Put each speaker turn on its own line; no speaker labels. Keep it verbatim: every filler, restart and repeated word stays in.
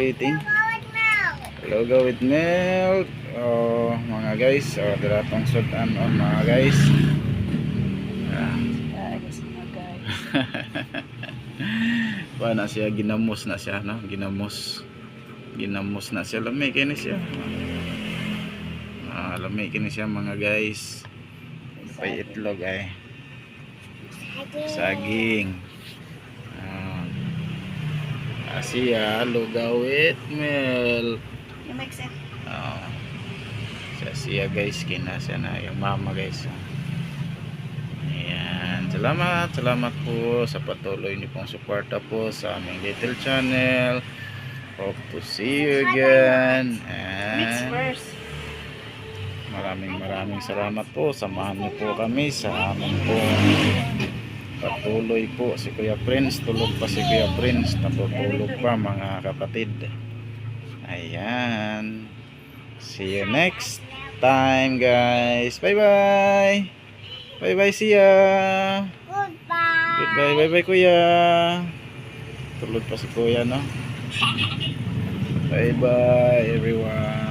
eating? Logo with milk. Oh, mga guys. Oh, daratong sudan on mga guys. Ah. Paano siya? Ginamos na siya, no? Ginamos. Ginamos na siya. Lamay kini siya. Ah, lamay kini siya mga guys. Pay itlog ay. Saging. Ah. Siya lugaw with milk. Oh. Siya siya guys, kina siya na yung mama guys. Ayan, salamat, salamat po sa patuloy niyo pong suporta po sa aming little channel. Hope to see you again. And maraming maraming salamat po. Samahan niyo po kami sa aming po patuloy po. Si Kuya Prince, tulog pa si Kuya Prince, natutulog pa mga kapatid. Ayan, see you next time guys. Bye bye. Bye bye, see ya.
Goodbye.
Goodbye, bye bye Kuya. Tulog pa si Kuya, no? Bye bye everyone.